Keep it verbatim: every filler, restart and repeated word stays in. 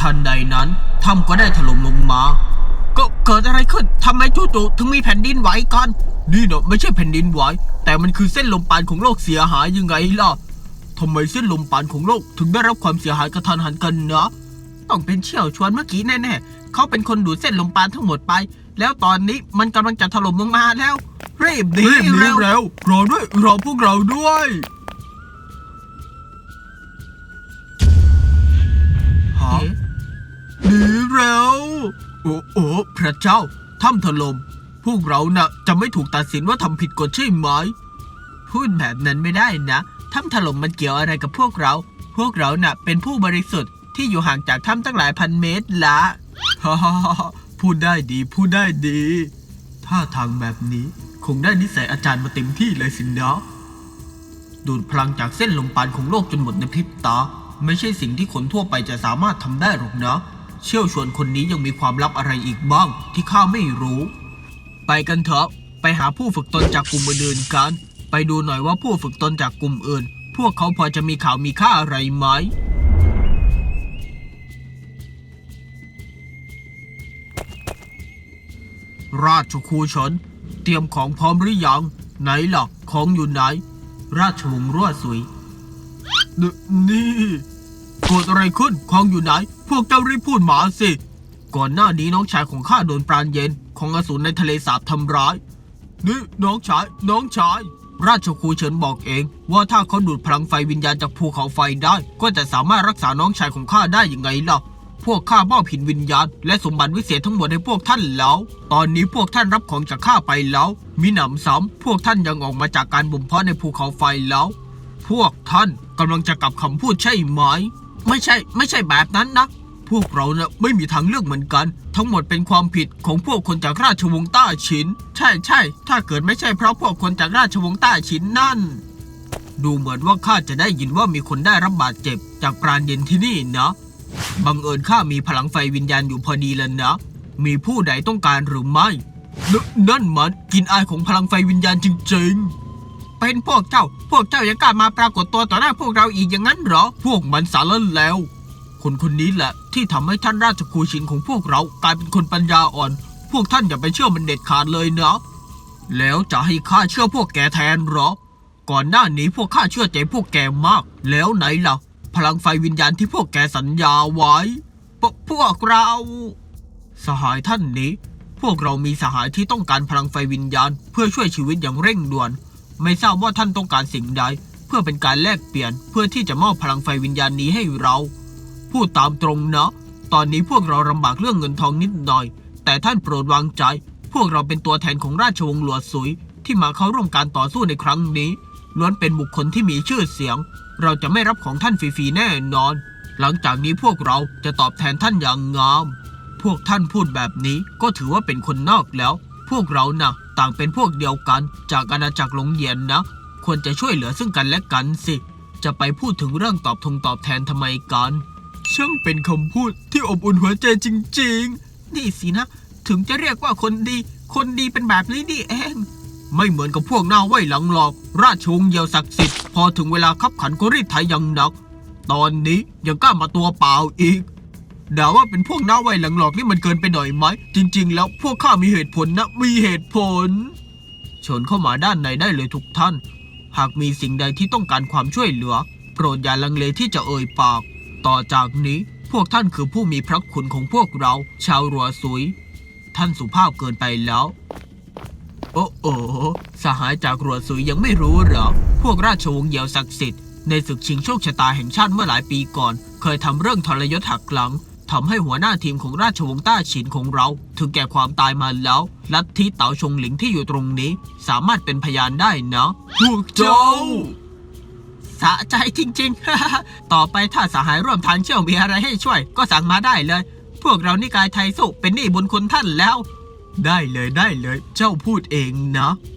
ทันใดนั้นถ้ำก็ได้ถล่มลงมาก็เกิดอะไรขึ้นทำไมจู่ๆถึงมีแผ่นดินไหวกันนี่เนาะไม่ใช่แผ่นดินไหวแต่มันคือเส้นลมปานของโลกเสียหายยังไงล่ะทำไมเส้นลมปานของโลกถึงได้รับความเสียหายกระทันหันกันนะต้องเป็นเชี่ยวชวนเมื่อกี้แน่ๆเขาเป็นคนดูดเส้นลมปานทั้งหมดไปแล้วตอนนี้มันกำลังจะถล่มลงมาแล้วรีบหนีเร็วเร็วรอด้วยรอพวกเราด้วยฮะหนีเร็วโอ้โอ้พระเจ้าถ้ำถล่มพวกเราน่ะจะไม่ถูกตัดสินว่าทำผิดกฎใช่ไหมพูดแบบนั้นไม่ได้นะถ้ำถล่มมันเกี่ยวอะไรกับพวกเราพวกเราน่ะเป็นผู้บริสุทธิ์ที่อยู่ห่างจากถ้ำตั้งหลายพันเมตรละฮ่าฮ่าพูดได้ดีพูดได้ดีถ้าทางแบบนี้คงได้นิสัยอาจารย์มาเต็มที่เลยสินะดูดพลังจากเส้นลมปานของโลกจนหมดในพริบตาไม่ใช่สิ่งที่คนทั่วไปจะสามารถทำได้หรอกนะเชี่ยวชวนคนนี้ยังมีความลับอะไรอีกบ้างที่ข้าไม่รู้ไปกันเถอะไปหาผู้ฝึกตนจากกลุ่มอื่นๆกันไปดูหน่อยว่าผู้ฝึกตนจากกลุ่มอื่นพวกเขาพอจะมีข่าวมีค่าอะไรไหมราชครูชนเตรียมของพร้อมหรือยังไหนล่ะของอยู่ไหนราชวงศ์รั่วสุยนนี่เกิดอะไรขึ้นของอยู่ไหนพวกเจ้ารีบพูดมาสิก่อนหน้านี้น้องชายของข้าโดนปราณเย็นของอสูรในทะเลสาบทำร้ายนี่น้องชายน้องชายราชครูเฉินบอกเองว่าถ้าเขาดูดพลังไฟวิญญาณจากภูเขาไฟได้ก็จะสามารถรักษาน้องชายของข้าได้ยังไงล่ะพวกข้ามอบหินวิญญาณและสมบัติวิเศษทั้งหมดให้พวกท่านแล้วตอนนี้พวกท่านรับของจากข้าไปแล้วมิหนำซ้ำพวกท่านยังออกมาจากการบ่มเพาะในภูเขาไฟแล้วพวกท่านกำลังจะกลับคำพูดใช่ไหมไม่ใช่ไม่ใช่แบบนั้นนะพวกเราเนี่ยไม่มีทางเลือกเหมือนกันทั้งหมดเป็นความผิดของพวกคนจากราชวงศ์ต้าฉินใช่ใช่ถ้าเกิดไม่ใช่เพราะพวกคนจากราชวงศ์ต้าฉินนั่นดูเหมือนว่าข้าจะได้ยินว่ามีคนได้รับบาดเจ็บจากปราณเย็นที่นี่นะบังเอิญข้ามีพลังไฟวิญญาณอยู่พอดีแล้วนะมีผู้ใดต้องการหรือไม่นนั่นมันกินอายของพลังไฟวิญญาณจริงๆเป็นพวกเจ้าพวกเจ้ายังกล้ามาปรากฏตัวต่อหน้าพวกเราอีกอย่างนั้นเหรอพวกมันสารแล้วคนคนนี้แหละที่ทำให้ท่านราชครูชินของพวกเรากลายเป็นคนปัญญาอ่อนพวกท่านอย่าไปเชื่อมันเด็ดขาดเลยนะแล้วจะให้ข้าเชื่อพวกแกแทนเหรอก่อนหน้านี้พวกข้าเชื่อใจพวกแกมากแล้วไหนล่ะพลังไฟวิญญาณที่พวกแกสัญญาไว้พพวกเราสหายท่านนี้พวกเรามีสหายที่ต้องการพลังไฟวิญญาณเพื่อช่วยชีวิตอย่างเร่งด่วนไม่ทราบว่าท่านต้องการสิ่งใดเพื่อเป็นการแลกเปลี่ยนเพื่อที่จะมอบพลังไฟวิญญาณนี้ให้เราพูดตามตรงนะตอนนี้พวกเราลำบากเรื่องเงินทองนิดหน่อยแต่ท่านโปรดวางใจพวกเราเป็นตัวแทนของราชวงศ์หลวสุยที่มาเข้าร่วมการต่อสู้ในครั้งนี้ล้วนเป็นบุคคลที่มีชื่อเสียงเราจะไม่รับของท่านฟรีๆแน่นอนหลังจากนี้พวกเราจะตอบแทนท่านอย่างงามพวกท่านพูดแบบนี้ก็ถือว่าเป็นคนนอกแล้วพวกเรานะ่ะต่างเป็นพวกเดียวกันจากอาณาจักรหลงเหยียนนะควรจะช่วยเหลือซึ่งกันและกันสิจะไปพูดถึงเรื่องตอบทงตอบแทนทำไมกันช่างเป็นคำพูดที่อบอุ่นหัวใจจริงๆนี่สินะถึงจะเรียกว่าคนดีคนดีเป็นแบบนี้นี่เองไม่เหมือนกับพวกหน้าไหวหลังหลอกราชวงศ์เยียวศักดิ์สิทธิ์พอถึงเวลาคับขันก็รีดไถอย่างหนักตอนนี้ยังกล้ามาตัวเปล่าอีกด่าว่าเป็นพวกหน้าไหวหลังหลอกนี่มันเกินไปหน่อยไหมจริงๆแล้วพวกข้ามีเหตุผลนะมีเหตุผลเชิญเข้ามาด้านในได้เลยทุกท่านหากมีสิ่งใดที่ต้องการความช่วยเหลือโปรดอย่าลังเลที่จะเอ่ยปากต่อจากนี้พวกท่านคือผู้มีพระคุณของพวกเราชาวรัวซุยท่านสุภาพเกินไปแล้วโอ้โอสหายจากรัวซุยยังไม่รู้เหรอพวกราชวงศ์เยียวศักดิ์สิทธิ์ในศึกชิงโชคชะตาแห่งชาติเมื่อหลายปีก่อนเคยทำเรื่องทรยศหักหลังทำให้หัวหน้าทีมของราชวงศ์ต้าฉินของเราถึงแก่ความตายมาแล้วลัทธิเต๋าชงหลิงที่อยู่ตรงนี้สามารถเป็นพยานได้นะพวกเจ้าสะใจจริงๆ ต่อไปถ้าสหายร่วมทางเชี่ยวมีอะไรให้ช่วยก็สั่งมาได้เลยพวกเรานิกายไทยสุเป็นหนี้บุญคุณท่านแล้วได้เลยได้เลยเจ้าพูดเองนะ